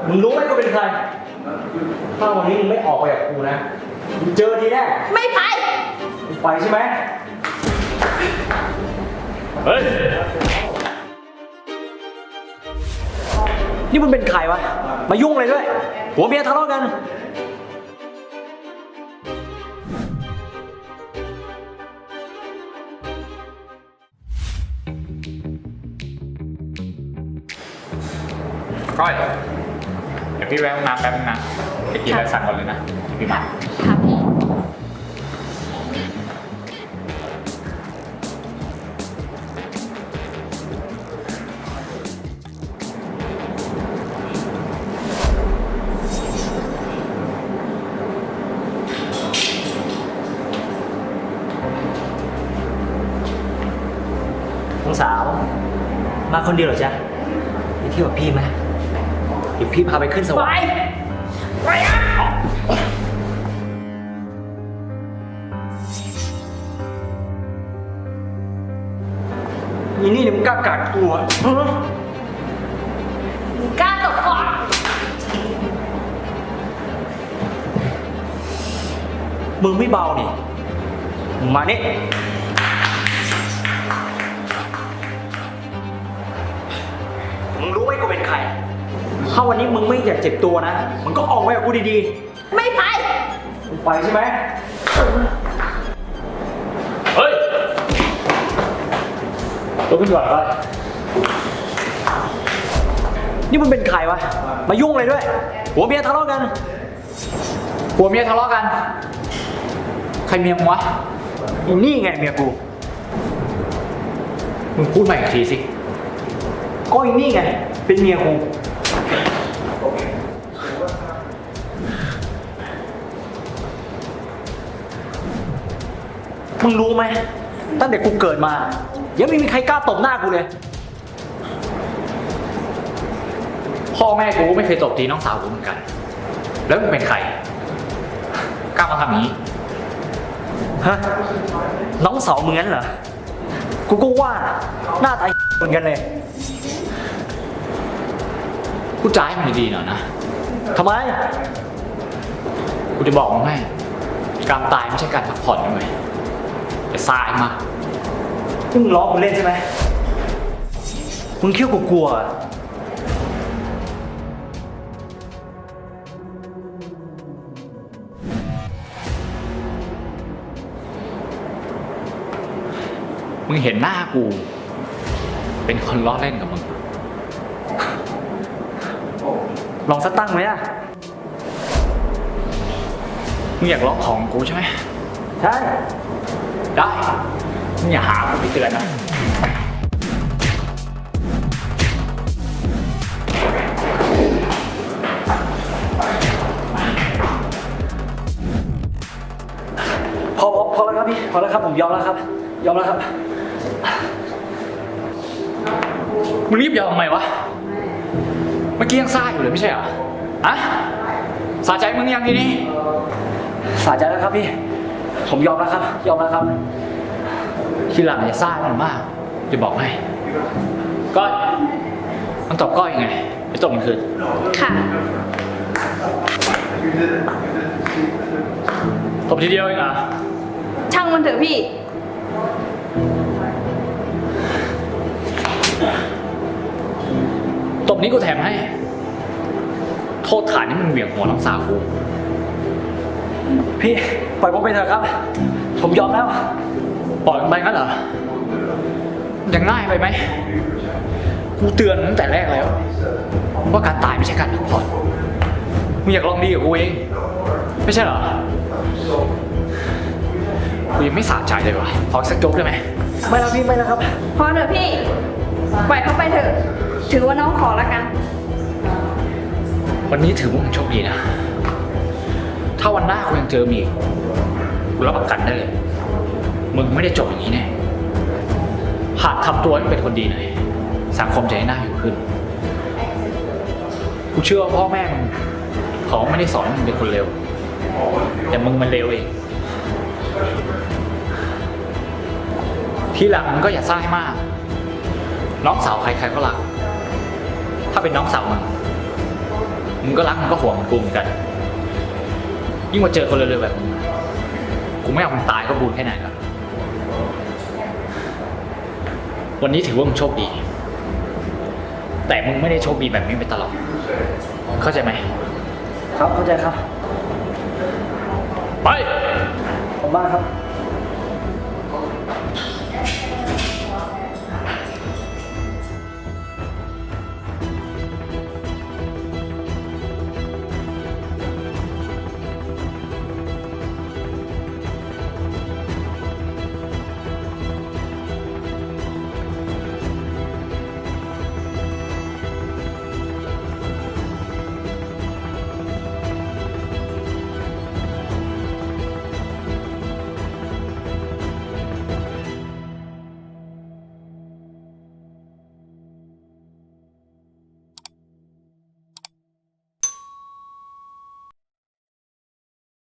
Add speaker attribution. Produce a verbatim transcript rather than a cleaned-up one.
Speaker 1: มึงรู้ไหมกูเป็นใครถ้าวันนี้มึงไม่ออกไปกับกูนะมึงเจอดีแน่
Speaker 2: ไม่ไป
Speaker 1: มึงไปใช่ไหมเฮ้ยนี่มึงเป็นใครวะมายุ่งเลยด้วยผัวเมียทะเลาะกัน
Speaker 3: ก้อยเดี๋ยวพี่แวะห้องน้ำแป๊บนึงนะไปกินอะไรสั่งก่อนเลยนะพี่มา
Speaker 2: ค่ะพี่
Speaker 1: น้องสาวมาคนเดียวเหรอจ๊ะไปเที่ยวกับพี่ไหมเดี๋ยวพี่พาไปขึ้นสวรรค์ไปไปอ่ะนี่นี่มึงกล้ากัดกูอ่ะ
Speaker 2: มึงกล้าตบก่อน
Speaker 1: มึงไม่เบานี่มานี่มึงรู้ไหมกูเป็นใครถ้าวันนี้มึงไม่อยากเจ็บตัวนะมึงก็ออกไปกับกูดี
Speaker 2: ๆไม่ไป
Speaker 1: มึงไปใช่ไหมเฮ้ยลุกขึ้นก่อนเลยนี่มึงเป็นใครวะมายุ่งอะไรด้วยผัวเมียทะเลาะกัน
Speaker 3: ผัวเมียทะเลาะกันใครเมียมึงวะ
Speaker 1: นี่ไงเมียกู
Speaker 3: มึงพูดใหม่อีกทีสิ
Speaker 1: ก็อีนี่ไงเป็นเมียกูมึงรู้ไหมตั้งแต่กูเกิดมายังไม่มีใครกล้าตบหน้ากูเลย
Speaker 3: พ่อแม่กูไม่เคยตบตีน้องสาวกูเหมือนกันแล้วมึงเป็นใครกล้ามาทำอย่างนี้
Speaker 1: ฮะน้องสาวมึงงั้นเหรอกูก็ว่าหน้าตาเหมือนกันเลย
Speaker 3: กูจ่ายมันดีๆหน่อยนะ
Speaker 1: ทำไม
Speaker 3: กูจะบอกมึงให้การตายไม่ใช่การพักผ่อนนะเว้ยจะสายมา
Speaker 1: ที่มึงล้อกูเล่นใช่ไหมมึงเคี้ยวกูกลัว
Speaker 3: มึงเห็นหน้ากูเป็นคนล้อเล่นกับมึง
Speaker 1: ลองสักตั้งไหมอ่ะ
Speaker 3: มึงอยากล็อกของกูใช่ไหม
Speaker 1: ใช่
Speaker 3: ได้มึงอย่าหากูไปเตือนนะ
Speaker 1: พอพอพอแล้วครับพี่พอแล้วครับผมยอมแล้วครับยอมแล้วครับ
Speaker 3: มึงรีบยอมทำไมวะเมื่อกี้ยังซ่าอยู่เลยไม่ใช่เหรออะสาใจมึงยังทีนี้
Speaker 1: สาใจแล้วครับพี่ผมยอมแล้วครับยอมแล้วครับ
Speaker 3: ทีหลังอย่าซ่ามันมากจะบอกให้ก้อยมันตอบก้อยยังไงไปตบมันคืน
Speaker 2: ค่ะ
Speaker 3: ตบทีเดียวเองเหรอ
Speaker 2: ช่างมันเถอะพี่
Speaker 3: ตบนี้กูแถมให้โทษฐานนี่มึงเหวี่ยงหัวน้องสาวกู
Speaker 1: พี่ปล่อยผมไปเถอะครับผมยอมแล้ว
Speaker 3: ปล่อยมันไปงั้นเหรอยังง่ายไปไหมกูเตือนตั้งแต่แรกแล้วว่าการตายไม่ใช่การพักผ่อนมึงอยากลองดีกับกูเองไม่ใช่เหรอกูยังไม่สะใจเลยวะขอสักโจ๊กได้ไหม
Speaker 1: ไม่แล้วพี่ไม่แล้วครับ
Speaker 2: พอเถอะพี่ปล่อยเขาไปเถอะถือว่าน้องขอละกัน
Speaker 3: วันนี้ถือว่ามึงโชคดีนะถ้าวันหน้ากูยังเจอมีกูรับประกันได้เลยมึงไม่ได้จบอย่างนี้แน่หากทำตัวให้เป็นคนดีหน่อยสังคมจะให้น่าอยู่ขึ้นกูเชื่อว่าพ่อแม่มึงเขาไม่ได้สอนให้มึงเป็นคนเลวแต่มึงมันเลวเองทีหลังมึงก็อย่าซ่าให้มากน้องสาวใครๆก็รักถ้าเป็นน้องสาวมึงมึงก็รักมึงก็ห่วงเหมือนกูเหมือนกัน ยิ่งมาเจอคนเร็วๆแบบมึงกูไม่เอามึงตายก็บุญแค่ไหนแล้ววันนี้ถือว่ามึงโชคดี แต่มึงไม่ได้โชคดีแบบนี้ไปตลอด เข้าใจไหม
Speaker 1: ครับเข้าใจครับ
Speaker 3: ไป
Speaker 1: ผมบ้างครับ